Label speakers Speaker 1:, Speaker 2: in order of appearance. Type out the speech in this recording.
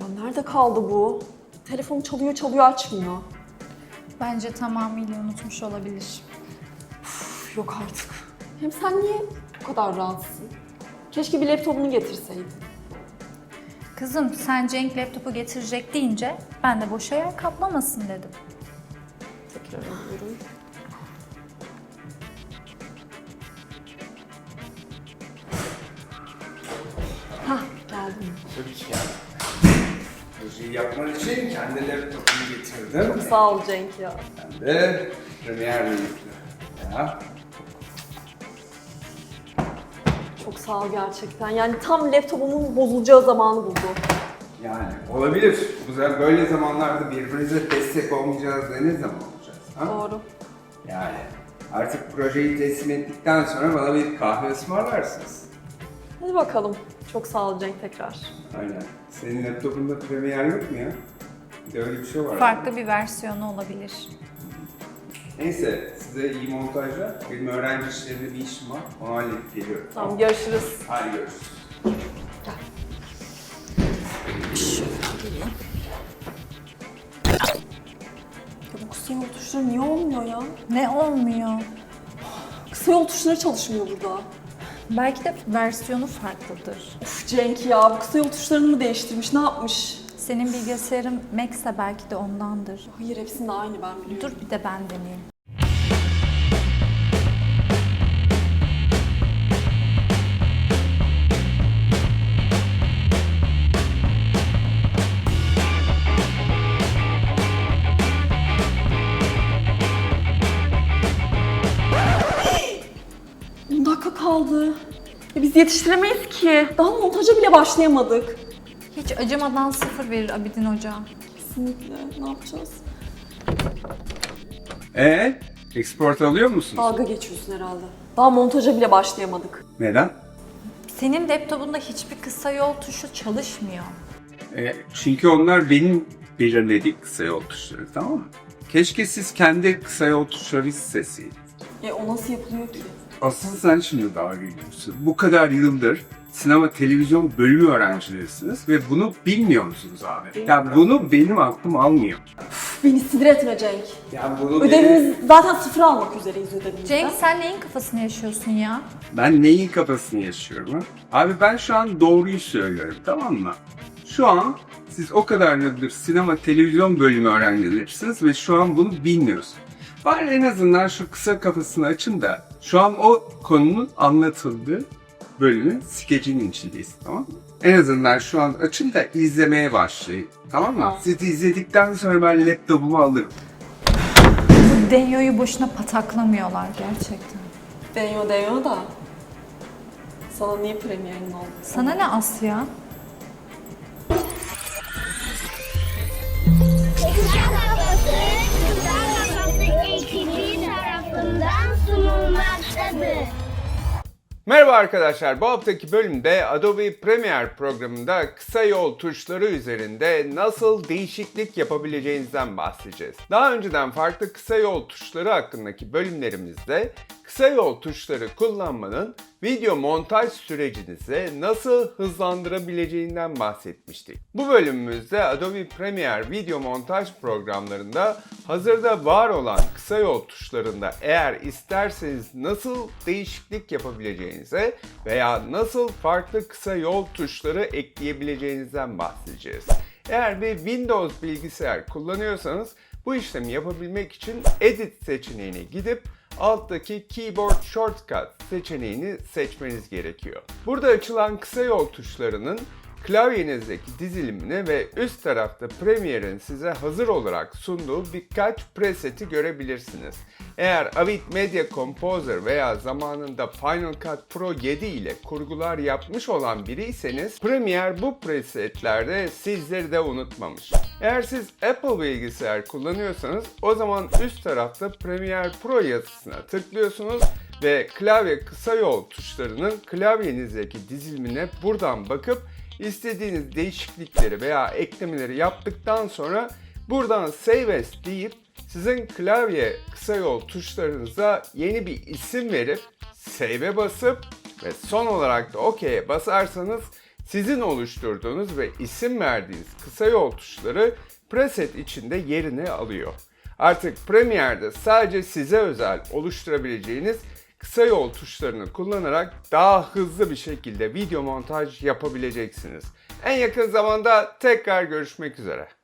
Speaker 1: Ya nerede kaldı bu? Telefon çalıyor çalıyor açmıyor.
Speaker 2: Bence tamamıyla unutmuş olabilir.
Speaker 1: Üf, yok artık. Hem sen niye bu kadar rahatsın? Keşke bir laptopunu getirseydin.
Speaker 2: Kızım sen Cenk laptopu getirecek deyince ben de boşa yer kaplamasın dedim.
Speaker 1: Tekrar alıyorum. Hah geldim.
Speaker 3: Tabii ki yani. Projeyi yapman için kendi laptopunu getirdim.
Speaker 1: Sağ ol Cenk ya.
Speaker 3: Ben de Premiere yüklü. Ya.
Speaker 1: Çok sağ ol gerçekten. Yani tam laptopumun bozulacağı zamanı buldu.
Speaker 3: Yani olabilir. Böyle zamanlarda birbirimize destek olmayacağız da ne zaman olacağız? Ha?
Speaker 1: Doğru.
Speaker 3: Yani artık projeyi teslim ettikten sonra bana bir kahve ısmarlarsınız.
Speaker 1: Hadi bakalım. Çok sağ ol Cenk tekrar.
Speaker 3: Aynen. Senin laptopunda Premiere yok mu ya? Bir de öyle bir şey var.
Speaker 2: Farklı bir versiyonu olabilir.
Speaker 3: Neyse, size iyi montajlar. Benim öğrenci işlerinde bir işim var. Onu halledip geliyorum.
Speaker 1: Tamam görüşürüz.
Speaker 3: Hadi görüşürüz.
Speaker 1: Ya bu kısa yol tuşları niye olmuyor ya?
Speaker 2: Ne olmuyor?
Speaker 1: Kısa yol tuşları çalışmıyor burada.
Speaker 2: Belki de versiyonu farklıdır.
Speaker 1: Uf Cenk ya bu kısa yol tuşlarını mı değiştirmiş ne yapmış?
Speaker 2: Senin bilgisayarın Mac'se belki de ondandır.
Speaker 1: Hayır hepsinde aynı ben biliyorum.
Speaker 2: Dur bir de ben deneyeyim.
Speaker 1: Dur. 10 dakika kaldı. Ya biz yetiştiremeyiz ki. Daha montaja bile başlayamadık.
Speaker 2: Hiç acımadan sıfır verir Abidin Hoca.
Speaker 1: Kesinlikle. Ne yapacağız?
Speaker 3: Export alıyor musunuz?
Speaker 1: Dalga geçiyorsun herhalde. Daha montaja bile başlayamadık.
Speaker 3: Neden?
Speaker 2: Senin laptopunda hiçbir kısa yol tuşu çalışmıyor.
Speaker 3: Çünkü onlar benim belirlediğim kısa yol tuşları, tamam mı? Keşke siz kendi kısa yol tuşları isteseydiniz.
Speaker 1: O nasıl yapılıyor ki?
Speaker 3: Asıl sen şimdi dalga geçiyorsun. Bu kadar yıldır sinema televizyon bölümü öğrencilerisiniz ve bunu bilmiyor musunuz abi? Ya bunu benim aklım almıyor.
Speaker 1: Üf, beni sinir etme Cenk.
Speaker 3: Ya bunu
Speaker 1: Ödevimiz zaten sıfır almak üzereyiz ödevimizden.
Speaker 2: Cenk sen neyin kafasını yaşıyorsun ya?
Speaker 3: Ben neyin kafasını yaşıyorum ha? Abi ben şu an doğruyu söylüyorum, tamam mı? Şu an siz o kadar yıldır sinema televizyon bölümü öğrencilerisiniz ve şu an bunu bilmiyorsunuz. Bari en azından şu kısa kafasını açın da şu an o konunun anlatıldığı bölümün skecinin içindeyiz, tamam mı? En azından şu an açın da izlemeye başlayın, tamam mı?
Speaker 1: Tamam.
Speaker 3: Siz izledikten sonra ben laptopumu alırım.
Speaker 2: Bu Denyo'yu boşuna pataklamıyorlar gerçekten.
Speaker 1: Deniyor da. Sana niye premierin oldu?
Speaker 2: Sana ne Asya?
Speaker 4: Kızlar Kafası ekibi tarafından sunulmaktadır.
Speaker 3: Merhaba arkadaşlar, bu haftaki bölümde Adobe Premiere programında kısa yol tuşları üzerinde nasıl değişiklik yapabileceğinizden bahsedeceğiz. Daha önceden farklı kısa yol tuşları hakkındaki bölümlerimizde kısa yol tuşları kullanmanın video montaj sürecinizi nasıl hızlandırabileceğinden bahsetmiştik. Bu bölümümüzde Adobe Premiere video montaj programlarında hazırda var olan kısa yol tuşlarında eğer isterseniz nasıl değişiklik yapabileceğinize veya nasıl farklı kısa yol tuşları ekleyebileceğinizden bahsedeceğiz. Eğer bir Windows bilgisayar kullanıyorsanız bu işlemi yapabilmek için Edit seçeneğine gidip alttaki Keyboard Shortcut seçeneğini seçmeniz gerekiyor. Burada açılan kısa yol tuşlarının klavyenizdeki dizilimini ve üst tarafta Premiere'in size hazır olarak sunduğu birkaç preseti görebilirsiniz. Eğer Avid Media Composer veya zamanında Final Cut Pro 7 ile kurgular yapmış olan biriyseniz Premiere bu presetlerde sizleri de unutmamış. Eğer siz Apple bilgisayar kullanıyorsanız o zaman üst tarafta Premiere Pro yazısına tıklıyorsunuz ve klavye kısa yol tuşlarının klavyenizdeki dizilimine buradan bakıp İstediğiniz değişiklikleri veya eklemeleri yaptıktan sonra buradan Save As deyip sizin klavye kısa yol tuşlarınıza yeni bir isim verip Save'e basıp ve son olarak da OK'ye basarsanız Sizin oluşturduğunuz ve isim verdiğiniz kısa yol tuşları preset içinde yerini alıyor. Artık Premiere'de sadece size özel oluşturabileceğiniz kısa yol tuşlarını kullanarak daha hızlı bir şekilde video montaj yapabileceksiniz. En yakın zamanda tekrar görüşmek üzere.